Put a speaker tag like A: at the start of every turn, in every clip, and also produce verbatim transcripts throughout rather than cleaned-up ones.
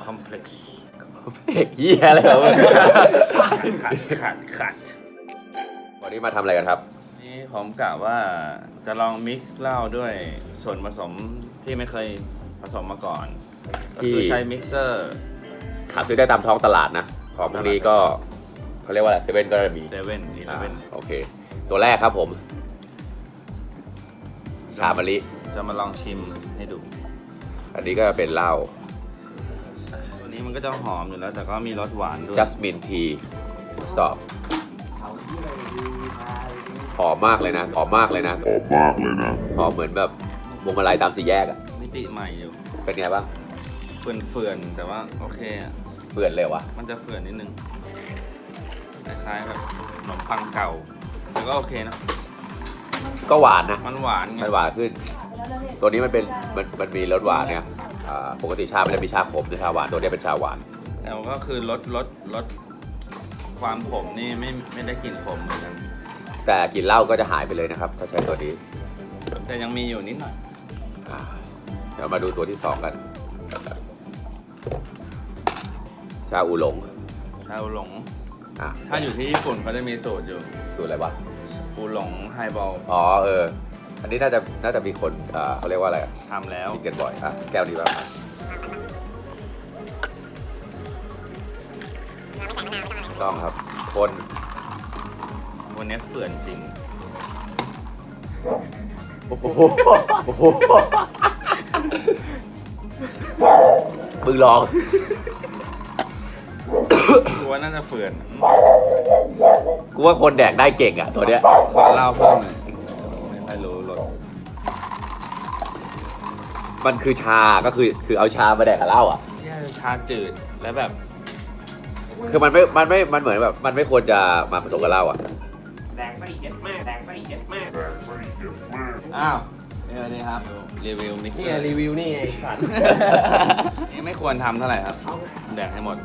A: complex
B: เอกเหี้ยอะไรวะ
A: ขัดขัดขัด
B: วันนี้มาทำอะไรกันครับ
A: นี่ผมกะว่าจะลองมิกซ์เหล้าด้วยส่วนผสมที่ไม่เคยผสมมาก่อน ก็คือใช้มิกเซอร์
B: หาซื้อได้ตามท้องตลาดนะ ของพวกนี้ก็เขาเรียกว่าอะไรเซเว่นก็จะมี
A: เซเว่นอีเลเว่น
B: โอเค ตัวแรกครับผม ชามะลิ
A: จะมาลองชิมให้ดู
B: อันนี้ก็เป็นเหล้า
A: ตัวนี้มันก็จะหอมอยู่แล้วแต่ก็มีรสหวานด้วย
B: จัสมินทีสอบหอมมากเลยนะหอมมากเลยนะ
C: หอมมากเลยนะ
B: หอมเหมือนแบบวงมาลัยตามสี่แยกอะ
A: มิติใหม่อยู่
B: เป็นไงบ้าง
A: เฟื่อนๆแต่ว่าโอเคอะ
B: เปื่อนเลยวะ
A: มันจะเฟื่อนนิดนึงคล้ายๆแบบขนมปังเก่าแต่ก็โอเคนะ
B: ก็หวานนะ
A: มันหวานไง
B: มันหวานขึ้น ตัวนี้มันเป็นมันมันมีรสหวานเนี่ยอ่าปกติชามันจะมีชาขมหรือชาหวานตัวนี้เป็นชาหวาน
A: แต่ก็คือลดลดลดความขมนี่ไม่ไม่ได้กลิ่นขมเหมือนกัน
B: แต่กลิ่นเหล้าก็จะหายไปเลยนะครับถ้าใช้ตัวนี้
A: แต่ยังมีอยู่นิดหน่อย
B: อ่าเดี๋ยวมาดูตัวที่สองกัน ชาอูหลง
A: ชาอูหลง
B: อ่ะ
A: ถ้าอยู่ที่ญี่ปุ่นเขาจะมีสูตรอยู่
B: สูตรอะไรวะ
A: อูหลงไฮบอล
B: อ๋อเออ อันนี้น่าจะน่าจะมีคนอ่าเขาเรียกว่าอะไรอ่ะ
A: ทำแล้ว
B: กินกันบ่อยอ่ะแก้วนี้บ้างต้องครับ คน
A: วันนี้เฟื่อนจริง
B: โอ้โหโอ้โหมึงลอง
A: กูว่าน่าจะเฟื่อน
B: กูว่าคนแดกได้เก่งอ่ะตัวเนี้ย
A: ขอเล่าเพิ่มหน่อยไม่ค่อยรู้รส
B: มันคือชาก็คือคือเอาชามาแดกกับเหล้าอ่ะ
A: เชี่ยชาจืดแล้วแบบ
B: คือมันไม่ มันไม่ มันเหมือนแบบ มันไม่ควรจะมาผสมกับเหล้าอ่ะ
D: แดงไส้เย็ดมากแดงไส้เย็ดมาก
A: อ้าวนี่เลยครับรีวิวมิกซ์
D: นี่รีวิวนี่ไงสัตว์
A: นี่ไม่ควรทำเท่าไหร่ครับแดกให้หมด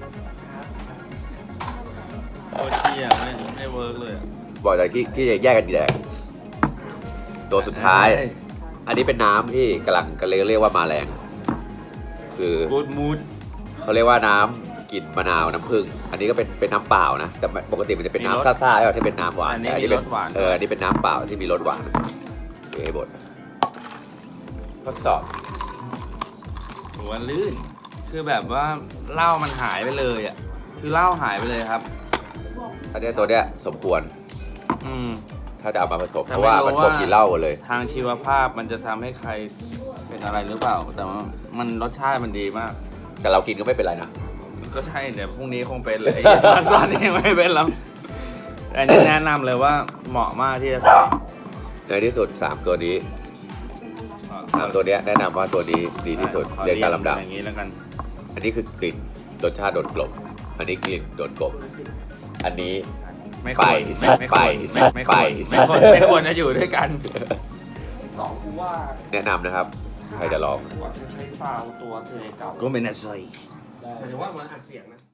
A: โอ้เชี่ยไม่ไม่เวิร์กเลยอะ
B: บอกจากที่ที่จะแยกกันแดกตัวสุดท้าย อันนี้เป็นน้ำที่กำลังก็เลยเรียกว่ามาแรง คือ
A: กูดมูด
B: เขาเรียกว่าน้ำกลิ่นมะนาวน้ำผึ้งอันนี้ก็เป็นเป็นน้ำเปล่านะแต่ปกติมันจะเป็นน้ำซ่าๆใช่ไหมที่เป็นน้ำหวานแต่อันนี้เป็นเอออันนี้เป็นน้ำเปล่าที่มีรสหวานเดี๋ยวให้บดทดสอบ
A: หัวลื่น คือแบบว่าเหล้ามันหายไปเลยอ่ะคือเหล้าหายไปเลยครับ
B: อันนี้ตัวเนี้ยสมควร
A: อืม
B: ถ้าจะเอามาผสม
A: แต่
B: เพราะว่า
A: ไม่รู้
B: มันกลม
A: ว่า
B: กินเหล้าหมดเลย
A: ทางชีวภาพมันจะทำให้ใครเป็นอะไรหรือเปล่า แต่ว่ามันรสชาติมันดีมาก
B: แต่เรากินก็ไม่เป็นไรนะ
A: ก็ใช่เดี๋ยวพรุ่งนี้คงเป็นเลยตอนตอนนี้ไม่เป็นแล้วแต่อันนี้แนะนำเลยว่าเหมาะมากที่จะใส่
B: ในที่สุดสามตัวนี้สามตัวเนี้ยแนะนำว่าตัวนี้ดีที่สุด
A: ขอ
B: เรียงตามลำดับ
A: อย่างนี้แล้วกัน
B: อันนี้คือกลิ่นรสชาติโดดกลบอันนี้กลิ่นโดดกลบอันนี้
A: ไม่ควร
B: ไป
A: ไม่ไม่ควร
B: ไป
A: ไม่ไม่ควร
B: ไป
A: ไม่ควรไม่ควรจะอยู่ด้วยกัน
D: สองกูว่า
B: แนะนำนะครับ ใครจะลอง
D: กว่าจะใช้ซาวตัวเทเก่า
A: ก็เป็นอะไร
D: หมายถึงว่ามันอัดเสียงนะ